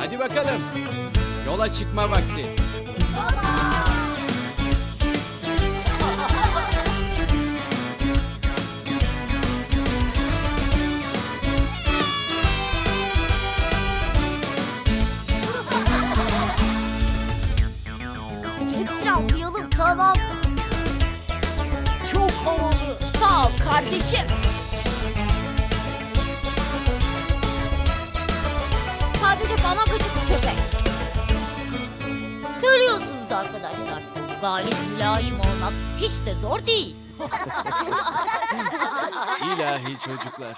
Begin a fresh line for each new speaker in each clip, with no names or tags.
Hadi bakalım. Yola çıkma vakti.
Hepsini okuyalım, tamam. Çok havalı. Sağ ol kardeşim. Sadece bana gıcık köpek. Görüyorsunuz arkadaşlar. Galip mülayim olmak hiç de zor değil.
İlahi çocuklar.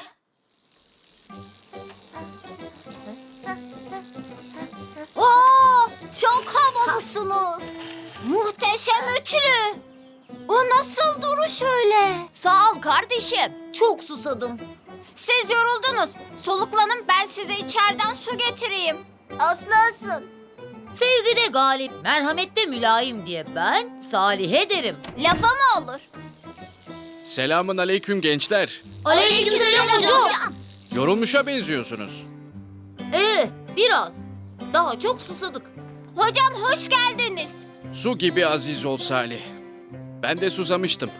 Oo, çok havalısınız. Muhteşem üçlü. O nasıl duruş öyle? Sağ ol kardeşim. Çok susadım. Siz yoruldunuz. Soluklanın, ben size içeriden su getireyim. Aslınsın.
Sevgide galip, merhamette mülayim diye ben Salih'e derim.
Lafa mı olur?
Selamun aleyküm gençler.
Aleykümselam hocam.
Yorulmuşa benziyorsunuz.
Biraz. Daha çok susadık.
Hocam hoş geldiniz.
Su gibi aziz ol Salih. Ben de susamıştım.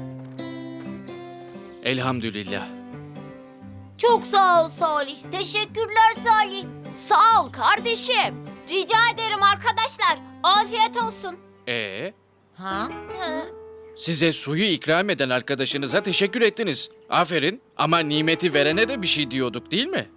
Elhamdülillah.
Çok sağ ol Salih.
Teşekkürler Salih. Sağ ol kardeşim. Rica ederim arkadaşlar. Afiyet olsun.
Ha?
Size suyu ikram eden arkadaşınıza teşekkür ettiniz. Aferin. Ama nimeti verene de bir şey diyorduk değil mi?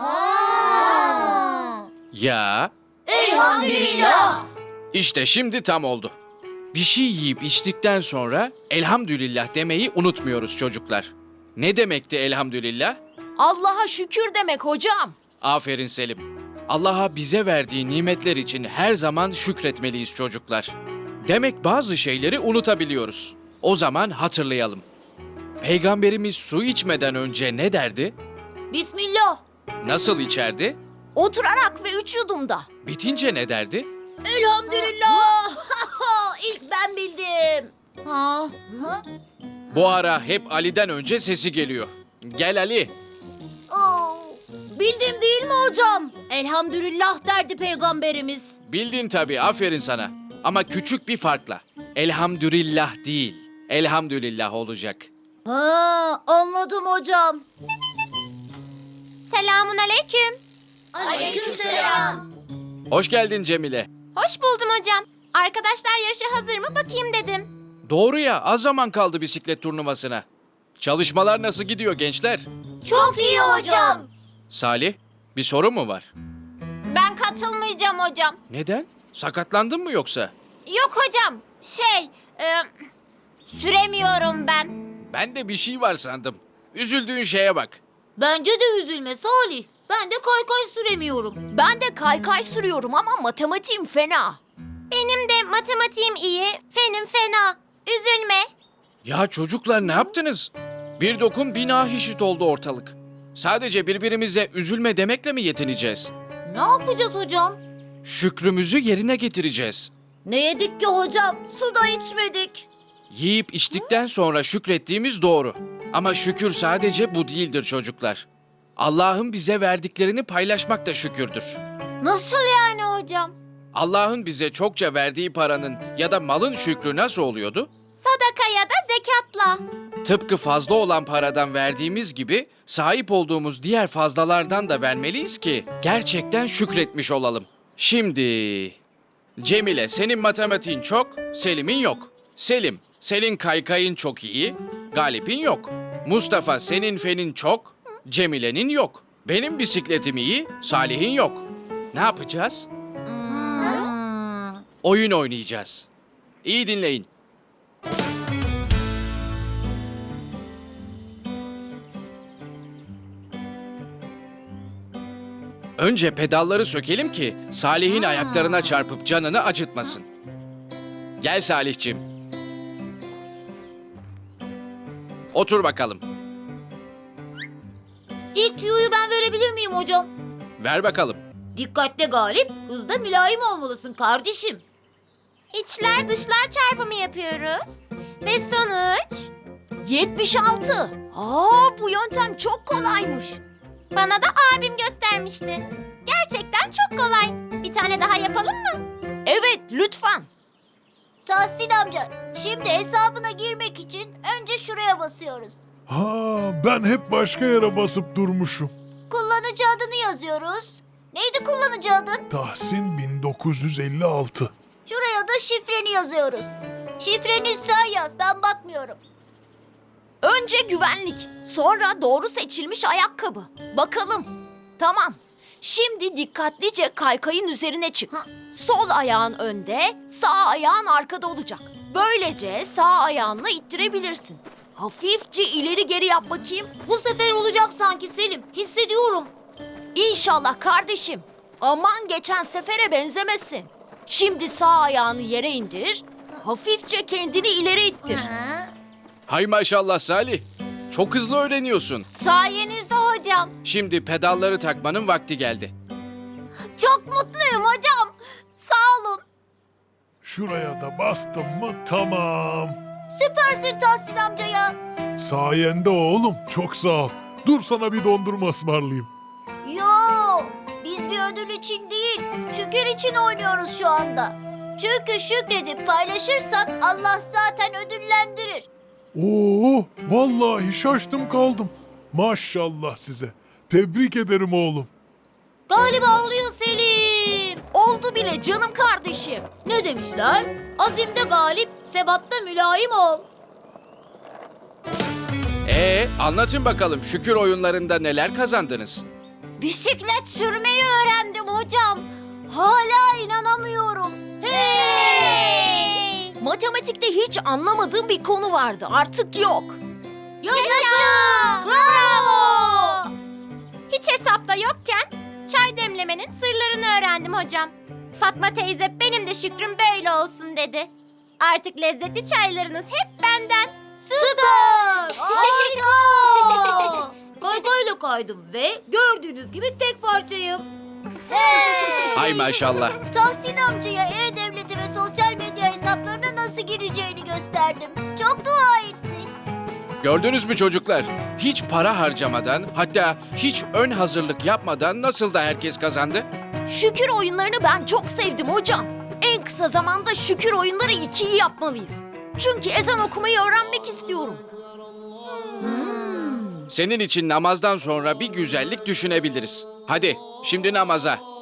Ya.
Elhamdülillah.
İşte şimdi tam oldu. Bir şey yiyip içtikten sonra elhamdülillah demeyi unutmuyoruz çocuklar. Ne demekti elhamdülillah?
Allah'a şükür demek hocam.
Aferin Selim. Allah'a bize verdiği nimetler için her zaman şükretmeliyiz çocuklar. Demek bazı şeyleri unutabiliyoruz. O zaman hatırlayalım. Peygamberimiz su içmeden önce ne derdi?
Bismillah.
Nasıl içerdi?
Oturarak ve 3 yudumda.
Bitince ne derdi?
Elhamdülillah. İlk ben bildim. Ha?
Bu ara hep Ali'den önce sesi geliyor. Gel Ali.
Bildim değil mi hocam? Elhamdülillah derdi peygamberimiz.
Bildin tabii, aferin sana. Ama küçük bir farkla. Elhamdülillah değil, elhamdülillah olacak.
Ha, anladım hocam.
Selamun aleyküm.
Aleykümselam.
Hoş geldin Cemile.
Hoş buldum hocam. Arkadaşlar yarışa hazır mı bakayım dedim.
Doğru ya, az zaman kaldı bisiklet turnuvasına. Çalışmalar nasıl gidiyor gençler?
Çok iyi hocam.
Salih, bir sorun mu var?
Ben katılmayacağım hocam.
Neden? Sakatlandın mı yoksa?
Yok hocam. Süremiyorum ben.
Ben de bir şey var sandım. Üzüldüğün şeye bak.
Bence de üzülme Salih. Ben de kaykay süremiyorum.
Ben de kaykay sürüyorum ama matematiğim fena. Benim de matematiğim iyi, fenim fena. Üzülme.
Ya çocuklar ne yaptınız? Bir dokun bina hişit oldu ortalık. Sadece birbirimize üzülme demekle mi yetineceğiz?
Ne yapacağız hocam?
Şükrümüzü yerine getireceğiz.
Ne yedik ki hocam? Su da içmedik.
Yiyip içtikten sonra şükrettiğimiz doğru. Ama şükür sadece bu değildir çocuklar. Allah'ın bize verdiklerini paylaşmak da şükürdür.
Nasıl yani hocam?
Allah'ın bize çokça verdiği paranın ya da malın şükrü nasıl oluyordu?
Sadaka ya da zekatla.
Tıpkı fazla olan paradan verdiğimiz gibi sahip olduğumuz diğer fazlalardan da vermeliyiz ki gerçekten şükretmiş olalım. Şimdi Cemile, senin matematiğin çok, Selim'in yok. Selim, senin kaykayın çok iyi, Galip'in yok. Mustafa, senin fenin çok, Cemile'nin yok. Benim bisikletim iyi, Salih'in yok. Ne yapacağız? Oyun oynayacağız. İyi dinleyin. Önce pedalları sökelim ki Salih'in ayaklarına çarpıp canını acıtmasın. Gel Salih'cim. Otur bakalım.
İlk tüyoyu ben verebilir miyim hocam?
Ver bakalım.
Dikkatle Galip, hızda mülayim olmalısın kardeşim.
İçler dışlar çarpımı yapıyoruz. Ve sonuç 76. Bu yöntem çok kolaymış. Bana da abim göstermişti. Gerçekten çok kolay. Bir tane daha yapalım mı? Evet, lütfen.
Tahsin amca, şimdi hesabına girmek için önce şuraya basıyoruz.
Ha, ben hep başka yere basıp durmuşum.
Kullanıcı adını yazıyoruz. Neydi kullanıcı adın?
Tahsin 1956.
Şuraya da şifreni yazıyoruz. Şifreni sen yaz, ben bakmıyorum.
Önce güvenlik, sonra doğru seçilmiş ayakkabı. Bakalım. Tamam. Şimdi dikkatlice kaykayın üzerine çık. Sol ayağın önde, sağ ayağın arkada olacak. Böylece sağ ayağınla ittirebilirsin. Hafifçe ileri geri yap bakayım.
Bu sefer olacak sanki Selim. Hissediyorum.
İnşallah kardeşim. Aman geçen sefere benzemesin. Şimdi sağ ayağını yere indir. Hafifçe kendini ileri ittir.
Hay maşallah Salih. Çok hızlı öğreniyorsun.
Sayenizde hocam.
Şimdi pedalları takmanın vakti geldi.
Çok mutluyum hocam. Sağ olun.
Şuraya da bastım mı tamam.
Süpersin Tahsin amca ya.
Sayende oğlum, çok sağ ol. Dur sana bir dondurma ısmarlayayım.
Yo, biz bir ödül için değil, şükür için oynuyoruz şu anda. Çünkü şükredip paylaşırsak Allah zaten ödüllendirir.
Oo, vallahi şaştım kaldım. Maşallah size. Tebrik ederim oğlum.
Galiba oluyor Selim.
Oldu bile canım kardeşim.
Ne demişler? Azimde galip, sebatta mülayim ol.
Anlatın bakalım şükür oyunlarında neler kazandınız?
Bisiklet sürmeyi öğrendim hocam. Hala inanamıyorum. Hey! Matematikte hiç anlamadığım bir konu vardı. Artık yok.
Yaşasın! Bravo!
Hiç hesapta yokken çay demlemenin sırlarını öğrendim hocam. Fatma teyze benim de şükrüm böyle olsun dedi. Artık lezzetli çaylarınız hep benden.
Süper! Harika! Kaykayla kaydım ve gördüğünüz gibi tek parçayım.
Hay maşallah.
Tahsin amcaya e-devleti ve sosyal medya hesaplarına nasıl gireceğini gösterdim. Çok dua etti.
Gördünüz mü çocuklar? Hiç para harcamadan, hatta hiç ön hazırlık yapmadan nasıl da herkes kazandı?
Şükür oyunlarını ben çok sevdim hocam. En kısa zamanda şükür oyunları 2'yi yapmalıyız. Çünkü ezan okumayı öğrenmek istiyorum.
Senin için namazdan sonra bir güzellik düşünebiliriz. Hadi şimdi namaza.